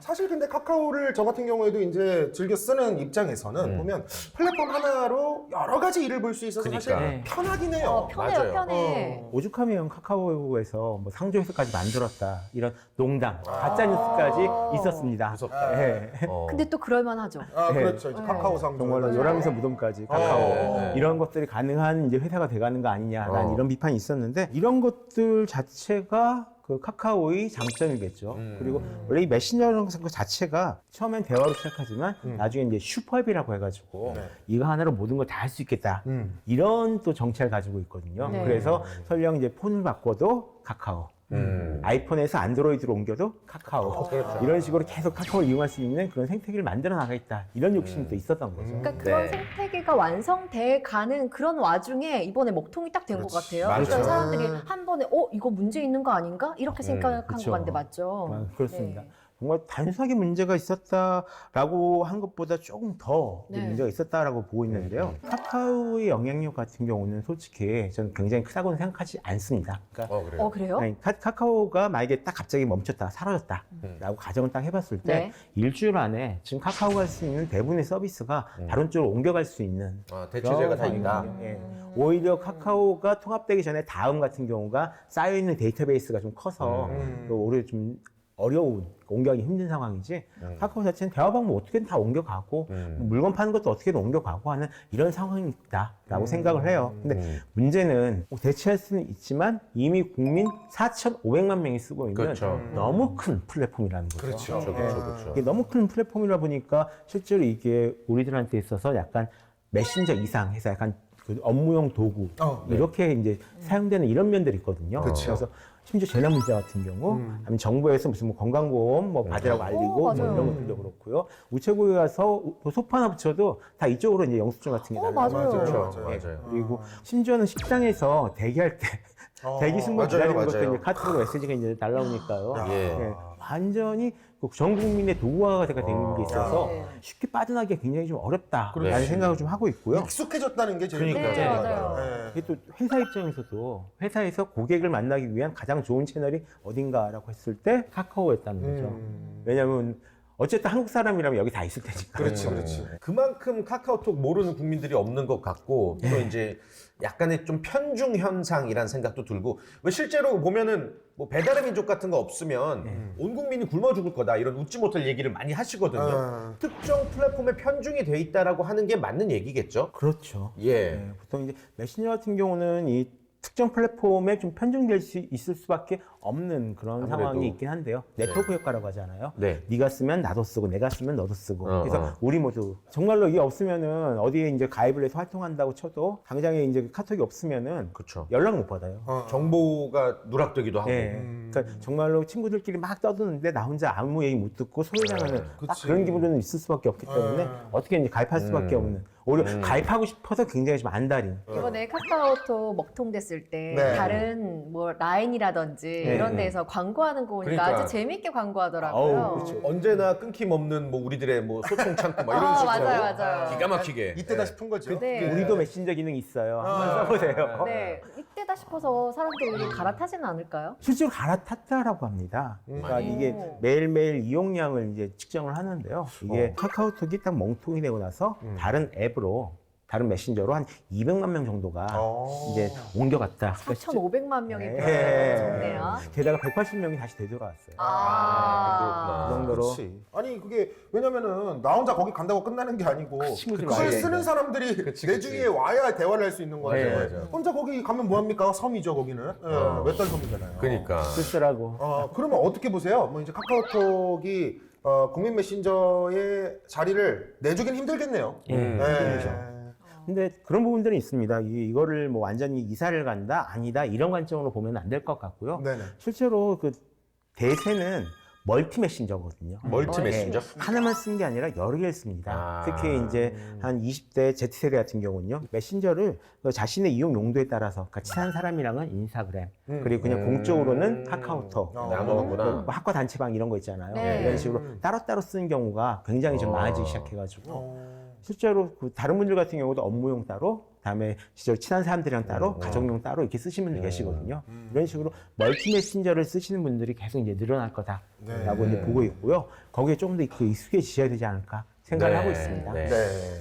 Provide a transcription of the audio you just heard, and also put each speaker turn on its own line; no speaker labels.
사실 근데 카카오를 저 같은 경우에도 이제 즐겨 쓰는 입장에서는 보면 플랫폼 하나로 여러 가지 일을 볼 수 있어서 사실
네.
편하긴 해요.
편해요,
맞아요.
편해.
오죽하면 카카오에서 뭐 상조회사까지 만들었다 이런 농담, 가짜 뉴스까지 있었습니다.
무섭다.
네.
근데 또 그럴만하죠.
아,
네.
그렇죠. 이제 카카오 상조.
정말로 요람에서 무덤까지 카카오
네.
이런 것들이 가능한 이제 회사가 돼가는 거 아니냐라는 이런 비판이 있었는데 이런 것들 자체가 그 카카오의 장점이겠죠. 그리고 원래 이 메신저라는 것 자체가 처음엔 대화로 시작하지만 나중에 이제 슈퍼앱이라고 해가지고
네.
이거 하나로 모든 걸 다 할 수 있겠다. 이런 또 정체를 가지고 있거든요.
네.
그래서 설령 이제 폰을 바꿔도 카카오. 아이폰에서 안드로이드로 옮겨도 카카오.
그렇죠.
이런 식으로 계속 카카오를 이용할 수 있는 그런 생태계를 만들어 나가겠다. 이런 욕심도 있었던 거죠.
그러니까 그런
네.
생태계가 완성돼 가는 그런 와중에 이번에 먹통이 딱 된 것 같아요.
맞아요.
그러니까 사람들이 한 번에 이거 문제 있는 거 아닌가? 이렇게 생각한 것
그쵸.
같은데 맞죠?
그렇습니다.
네.
정말 단순하게 문제가 있었다라고 한 것보다 조금 더
네.
문제가 있었다라고 보고 있는데요. 카카오의 영향력 같은 경우는 솔직히 저는 굉장히 크다고는 생각하지 않습니다. 그러니까
그래요?
그래요?
아니, 카카오가 만약에 딱 갑자기 멈췄다, 사라졌다라고 가정을 딱 해봤을 때
네.
일주일 안에 지금 카카오가 할 수 있는 대부분의 서비스가 다른 쪽으로 옮겨갈 수 있는
대체제가 다
그런
있다.
상황이거든요. 예. 오히려 카카오가 통합되기 전에 다음 같은 경우가 쌓여있는 데이터베이스가 좀 커서 또 오히려 좀 어려운, 옮겨가기 힘든 상황이지 카카오 자체는 대화 방법 어떻게든 다 옮겨가고 물건 파는 것도 어떻게든 옮겨가고 하는 이런 상황이 있다라고 생각을 해요. 근데 문제는 대체할 수는 있지만 이미 국민 4,500만 명이 쓰고 있는
그렇죠.
너무 큰 플랫폼이라는 거죠.
그렇죠, 그렇죠.
이게 너무 큰 플랫폼이라 보니까 실제로 이게 우리들한테 있어서 약간 메신저 이상 해서 약간 그 업무용 도구 이렇게 이제 사용되는 이런 면들이 있거든요.
그쵸.
그래서 심지어 재난 문제 같은 경우, 아니면 정부에서 무슨 뭐 건강보험 뭐 받으라고 알리고 뭐
맞아요.
이런 것들도 그렇고요. 우체국에 가서 소파 하나 붙여도 다 이쪽으로 이제 영수증 같은 게
맞아요.
그렇죠.
맞아요.
맞아요.
그리고 심지어는 식당에서 대기할 때 대기 승무
맞아요,
기다리는 것도
맞아요.
이제 카톡으로 메시지가 이제 날라오니까요.
예.
예, 완전히 전 국민의 도구화가 된 게 있어서
네.
쉽게 빠져나기가 굉장히 좀 어렵다라는
그렇지.
생각을 좀 하고 있고요.
익숙해졌다는 게 제일
그러니까요.
네,
문제인 것
맞아요.
같아요.
이게 또 회사 입장에서도 회사에서 고객을 만나기 위한 가장 좋은 채널이 어딘가라고 했을 때 카카오였다는 거죠. 왜냐하면 어쨌든 한국 사람이라면 여기 다 있을 테니까.
그렇지, 그렇지.
그만큼 카카오톡 모르는 국민들이 없는 것 같고 또 이제 약간의 좀 편중 현상이란 생각도 들고 왜 실제로 보면은 뭐 배달의 민족 같은 거 없으면 온 국민이 굶어 죽을 거다 이런 웃지 못할 얘기를 많이 하시거든요. 특정 플랫폼에 편중이 돼 있다라고 하는 게 맞는 얘기겠죠?
그렇죠.
예.
네, 보통 이제 메신저 같은 경우는 이 특정 플랫폼에 좀 편중될 수 있을 수밖에 없는 그런
아무래도.
상황이 있긴 한데요. 네트워크 효과라고 하잖아요.
네.
네가 쓰면 나도 쓰고 내가 쓰면 너도 쓰고. 그래서
어.
우리 모두 정말로 이게 없으면은 어디에 이제 가입을 해서 활동한다고 쳐도 당장에 이제 카톡이 없으면은
그렇죠.
연락 못 받아요.
정보가 누락되기도 하고.
예. 그러니까 정말로 친구들끼리 막 떠드는데 나 혼자 아무 얘기 못 듣고 소외당하는 딱 그런 기분은 있을 수밖에 없기 때문에 어떻게 이제 가입할 수밖에 없는. 오히려 가입하고 싶어서 굉장히 좀 안달인.
이번에 카카오톡 먹통 됐을 때
네.
다른 뭐 라인이라든지 이런 데서 광고하는 거 보니까
그러니까.
아주 재밌게 광고하더라고요.
어우, 그렇죠.
언제나 끊김없는 뭐 우리들의 뭐 소통 창구 막 이런 식으로
맞아요, 맞아요.
기가 막히게
이때다 싶은 거죠.
네.
우리도 메신저 기능 있어요. 한번 써보세요.
네, 이때다 싶어서 사람들이 갈아타지는 않을까요?
실제로 갈아탔다라고 합니다. 그러니까 이게 매일매일 이용량을 이제 측정을 하는데요. 이게 카카오톡이 딱 멍통이 되고 나서 다른 앱으로, 다른 메신저로 한 200만 명 정도가 이제 옮겨갔다.
4,500만 명이
네.
적네요.
게다가 180명이 다시 되돌아왔어요.
아,
그 정도로.
그렇지. 아니 그게 왜냐면은 나 혼자 거기 간다고 끝나는 게 아니고
친구들
그걸
와야
쓰는
되는데.
사람들이
그치,
내
그치.
주위에 와야 대화를 할 수 있는 거예요.
네,
맞아요.
혼자 거기 가면 뭐합니까? 섬이죠 거기는. 외딴 섬이잖아요.
그러니까
쓸쓸하고.
그러면 어떻게 보세요? 뭐 이제 카카오톡이 국민 메신저의 자리를 내주긴 힘들겠네요.
힘들죠. 근데 그런 부분들은 있습니다. 이거를 뭐 완전히 이사를 간다? 아니다? 이런 관점으로 보면 안 될 것 같고요.
네네.
실제로 그 대세는 멀티 메신저거든요.
멀티 메신저?
하나만 쓴 게 아니라 여러 개를 씁니다.
아.
특히 이제 한 20대 Z세대 같은 경우는요. 메신저를 그 자신의 이용 용도에 따라서 그러니까 친한 사람이랑은 인스타그램, 그리고 그냥 공적으로는 카카오톡,
나누는구나.
뭐 학과 단체방 이런 거 있잖아요.
네.
이런 식으로 따로따로 쓰는 경우가 굉장히 좀 많아지기 시작해가지고 실제로 그 다른 분들 같은 경우도 업무용 따로, 그다음에 실제로 친한 사람들이랑 따로, 가정용 따로 이렇게 쓰시는 분들 계시거든요. 이런 식으로 멀티 메신저를 쓰시는 분들이 계속 이제 늘어날 거다라고 이제 보고 있고요. 거기에 조금 더 익숙해지셔야 되지 않을까 생각을
네.
하고 있습니다.
네.
네.